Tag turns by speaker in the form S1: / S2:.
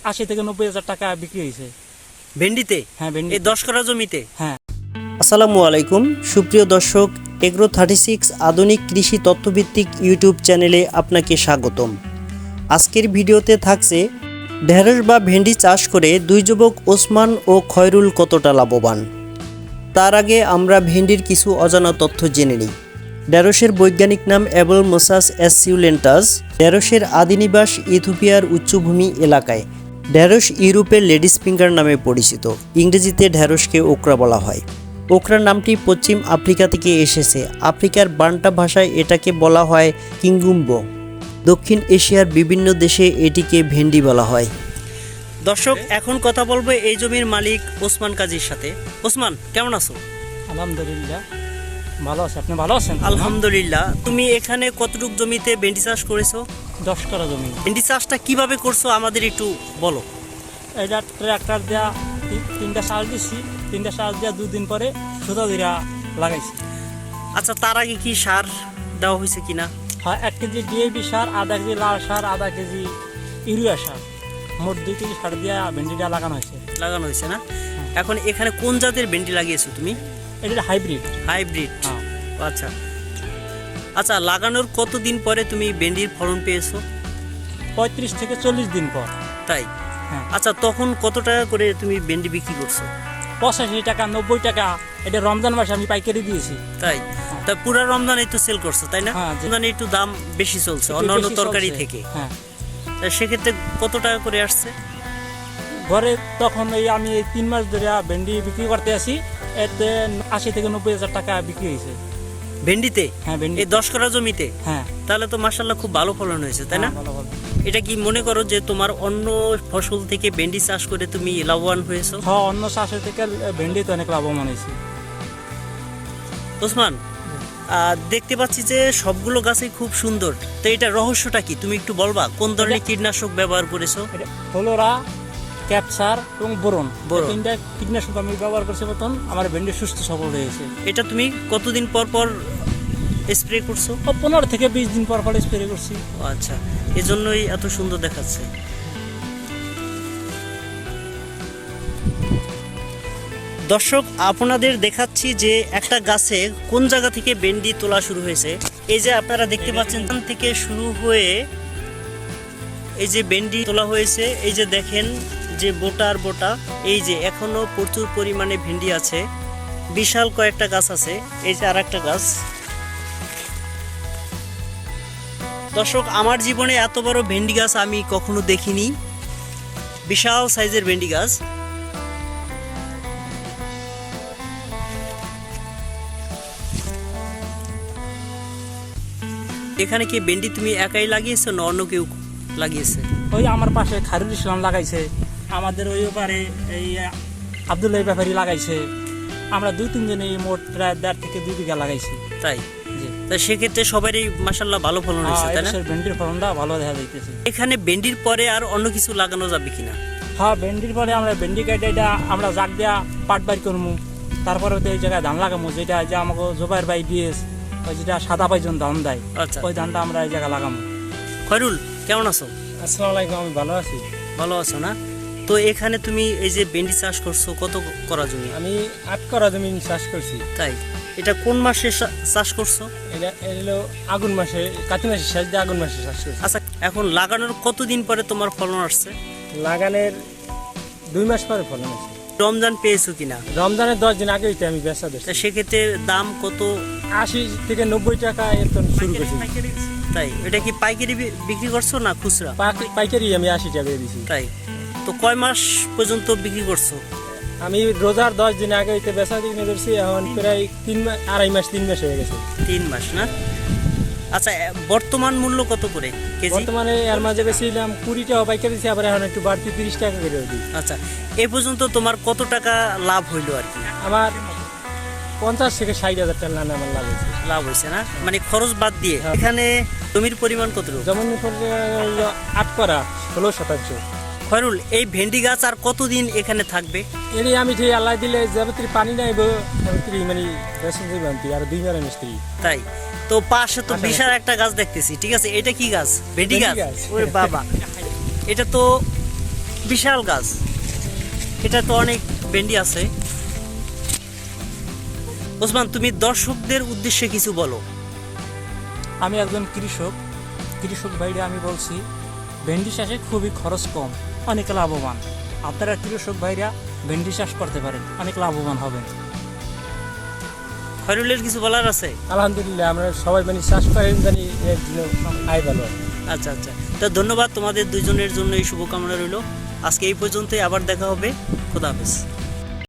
S1: 80 থেকে 90,000 টাকা বিক্রি হয়েছে।
S2: ভেন্ডিতে?
S1: হ্যাঁ, ভেন্ডি।
S2: এই 10 কাঠা জমিতে?
S1: হ্যাঁ।
S3: আসসালামু আলাইকুম সুপ্রিয় দর্শক, এগ্রো 36 আধুনিক কৃষি তথ্যভিত্তিক ইউটিউব চ্যানেলে আপনাকে স্বাগতম। আজকের ভিডিওতে থাকছে ঢেঁড়স বা ভেন্ডি চাষ করে দুই যুবক ওসমান ও খয়রুল কতটা লাভবান। তার আগে আমরা ভেন্ডির কিছু অজানা তথ্য জেনে নিই। ঢেঁড়সের বৈজ্ঞানিক নাম অ্যাবলমোসাস অ্যাসিউলেন্টাস। ঢেঁড়সের আদিনিবাস ইথিওপিয়ার উচ্চভূমি এলাকায়। ঢেঁড়স ইউরোপের লেডিস ফিঙ্গার নামে পরিচিত। ইংরেজিতে ঢেঁড়সকে ওকরা বলা হয়। ওকরা নামটি পশ্চিম আফ্রিকা থেকে এসেছে। আফ্রিকার বান্টা ভাষায় এটাকে বলা হয় কিঙ্গুম্বো। দক্ষিণ এশিয়ার বিভিন্ন দেশে এটিকে ভেন্ডি বলা হয়।
S2: দর্শক, এখন কথা বলবো এই জমির মালিক ওসমান কাজীর সাথে। ওসমান, কেমন আছো?
S1: আলহামদুলিল্লাহ ভালো আছে। আপনি ভালো আছেন?
S2: আলহামদুলিল্লাহ। তুমি এখানে কতটুক জমিতে ভেন্ডি চাষ করেছো?
S1: 10 কাঠা জমি।
S2: ভেন্ডি চাষটা কিভাবে করছো আমাদের একটু বলো।
S1: এটা ট্রাক্টর দেওয়া তিনটা সার দিচ্ছি। 3টা সার দেওয়া 2 দিন পরে সুতা দিরা লাগাইছি।
S2: আচ্ছা, তার আগে কি সার দেওয়া হয়েছে কিনা?
S1: হ্যাঁ, 1 কেজি ডিএপি সার, আধা কেজি লাল সার, আধা কেজি ইউরিয়া সার, মোট 2 কেজি সার দিয়ে ভেন্ডিটা লাগানো হয়েছে
S2: না? এখন এখানে কোন জাতের ভেন্ডি লাগিয়েছো তুমি?
S1: এটা হাইব্রিড।
S2: হাইব্রিড?
S1: হ্যাঁ।
S2: আচ্ছা আচ্ছা, লাগানোর কতদিন পরে তুমি ভেন্ডির ফলন পেয়েছো?
S1: 35 থেকে 40 দিন পর।
S2: তাই?
S1: হ্যাঁ।
S2: আচ্ছা, তখন কত টাকা করে তুমি ভেন্ডি বিক্রি করছো?
S1: 85 টাকা, 90 টাকা। এটা রমজান মাসে আমি পাইকারি দিয়েছি।
S2: তাই? তা পুরো রমজান একটু সেল করছো, তাই না?
S1: হ্যাঁ।
S2: রমজানে একটু দাম বেশি চলছে অন্যান্য তরকারি থেকে।
S1: হ্যাঁ।
S2: তা সেক্ষেত্রে কত টাকা করে আসছে?
S1: ঘরে তখন আমি 3 মাস ধরে ভেন্ডি বিক্রি করতে আসি, এতে 80 থেকে 90,000 টাকা বিক্রি হয়েছে।
S2: ভেন্ডিতে?
S1: হ্যাঁ, ভেন্ডি।
S2: এই 10 কাঠা জমিতে?
S1: হ্যাঁ।
S2: তাহলে তো মাশাআল্লাহ খুব ভালো ফলন হয়েছে, তাই না?
S1: ভালো ভালো।
S2: এটা কি মনে করো যে তোমার অন্য ফসল থেকে ভেন্ডি চাষ করে তুমি লাভবান হয়েছো?
S1: হ্যাঁ, অন্য চাষের থেকে ভেন্ডি তো অনেক লাভবান হয়েছে।
S2: ওসমান, দেখতে পাচ্ছি যে সবগুলো গাছই খুব সুন্দর। তো এটা রহস্যটা কি তুমি একটু বলবা? কোন ধরনের কীটনাশক ব্যবহার করেছো?
S1: এটা ফ্লোরা, ক্যাপসার এবং বোরন।
S2: বোরন।
S1: 3টা কীটনাশক আমি ব্যবহার করছি। মতন আমার ভেন্ডি সুস্থ সবল হয়েছে।
S2: এটা তুমি কতদিন পর পর স্প্রে করছো?
S1: 15 থেকে 20 দিন পর পর স্প্রে করছি।
S2: ও আচ্ছা, এজন্যই এত সুন্দর দেখাচ্ছে। দর্শক, আপনাদের দেখাচ্ছি যে একটা গাছে কোন জায়গা থেকে ভেন্ডি তোলা শুরু হয়েছে। এই যে আপনারা দেখতে পাচ্ছেন, এখান থেকে শুরু হয়ে এই যে ভেন্ডি তোলা হয়েছে। এই যে দেখেন যে বোটার বোটা, এই যে এখনো প্রচুর পরিমাণে ভেন্ডি আছে। বিশাল কয়েকটা গাছ আছে। এই যে আর একটা গাছ। দর্শক, আমার জীবনে এত বড় ভেন্ডি গাছ আমি কখনো দেখিনি। বিশাল সাইজের ভেন্ডি গাছ। এখানে কি ভেন্ডি তুমি একাই লাগিয়েছো না অন্য কেউ লাগিয়েছে?
S1: ওই আমার পাশে খায়রুল ইসলাম লাগাইছে, আমাদের ওই পারে এই আব্দুল্লাহ ব্যাপারী লাগাইছে। আমরা 2-3 জনে মোট প্রায় 1.5 থেকে 2 বিঘা লাগাইছি।
S2: তাই? তা সেক্ষেত্রে সবারই মাশাআল্লাহ ভালো ফলন হয়েছে, তাই না?
S1: ভেন্ডির ফলনটা ভালো দেখা যাইতেছে।
S2: এখানে ভেন্ডির পরে আর অন্য কিছু লাগানো যাবে কিনা?
S1: হ্যাঁ, ভেন্ডির পরে আমরা ভেন্ডি কাটে এটা আমরা জাগ দেওয়া পাট বাড়ি করবো। তারপরে তো এই জায়গায় ধান লাগাবো, যেটা যে আমাকে জোবাইর ভাই দিয়েছে, ওই যেটা সাদা পাইজন ধান দেয়।
S2: আচ্ছা,
S1: ওই ধানটা আমরা এই জায়গায় লাগাবো।
S2: খয়রুল, কেমন আছো?
S1: আসসালামু আলাইকুম। আমি ভালো আছি।
S2: ভালো আছো না? তো এখানে তুমি এই যে ভেন্ডি চাষ করছো, কত করা জমি?
S1: আমি 8 করা জমি চাষ করছি।
S2: তাই? এটা কোন মাসে চাষ করছো?
S1: এটা হলো আগুন মাসে, কাতি মাসে শেষ দিয়ে আগুন মাসে চাষ করছি।
S2: আচ্ছা, এখন লাগানোর কতদিন পরে তোমার ফলন আসছে?
S1: লাগানোর 2 মাস পরে ফলন আছে।
S2: রমজান পেয়েছো কিনা?
S1: রমজানের 10 দিন আগে আমি বেচা দিচ্ছি।
S2: তা সেক্ষেত্রে দাম কত?
S1: 80 থেকে 90 টাকা এর তো শুরু করছি।
S2: তাই? এটা কি পাইকারি বিক্রি করছো না খুচরা?
S1: পাইকারি আমি 80 টাকা দিয়েছি।
S2: তাই? তো কয় মাস পর্যন্ত বিক্রি করছো?
S1: আমি রোজার 10 দিন আগে বেচা কিনে ধরছি। এখন প্রায় 2.5 মাস 3 মাস হয়ে গেছে।
S2: 3 মাস না? আচ্ছা, বর্তমান মূল্য কত করে কেজি?
S1: বর্তমানে এর মাঝে বেশিলাম 20 টাকা পাইকারি দিচ্ছি, আবার এখন একটু বাড়তি 30 টাকা করে দিই।
S2: আচ্ছা, এ পর্যন্ত তোমার কত টাকা লাভ হইলো আর কি?
S1: আমার 50 থেকে 60,000 টাকা আমার লাভ হয়েছে।
S2: লাভ হয়েছে না? মানে খরচ বাদ দিয়ে। এখানে জমির পরিমাণ কত?
S1: যেমন 8 করা 16 শতাংশ।
S2: খয়রুল, এই ভেন্ডি গাছ আর কতদিন এখানে থাকবে?
S1: এর আমি যে আল্লাহ দিলে যাবতীয় পানি নাই মানে বেসন যাবে আর 2 মাস মিস্ত্রি।
S2: তাই? তো পাশে তো বিশাল একটা গাছ দেখতেছি, ঠিক আছে? এটা কি গাছ? ভেন্ডি গাছ? ওরে বাবা, এটা তো বিশাল গাছ, এটা তো অনেক ভেন্ডি আছে। ওসমান, তুমি দর্শকদের উদ্দেশ্যে কিছু বলো।
S1: আমি একজন কৃষক ভাইরা আমি বলছি, ভেন্ডি চাষে খুবই খরচ কম, অনেক লাভবান। আপনারা কৃষক ভাইরা ভেন্ডি চাষ করতে পারেন, অনেক লাভবান হবেন।
S2: খয়রুলের কিছু বলার আছে?
S4: আলহামদুলিল্লাহ, আমরা সবাই মানে চাষ করেন জানি এর জন্য আয় ভালো।
S2: আচ্ছা আচ্ছা, তো ধন্যবাদ তোমাদের দুজনের জন্য, এই শুভকামনা রইল। আজকে এই পর্যন্তই, আবার দেখা হবে। খোদা হাফেজ।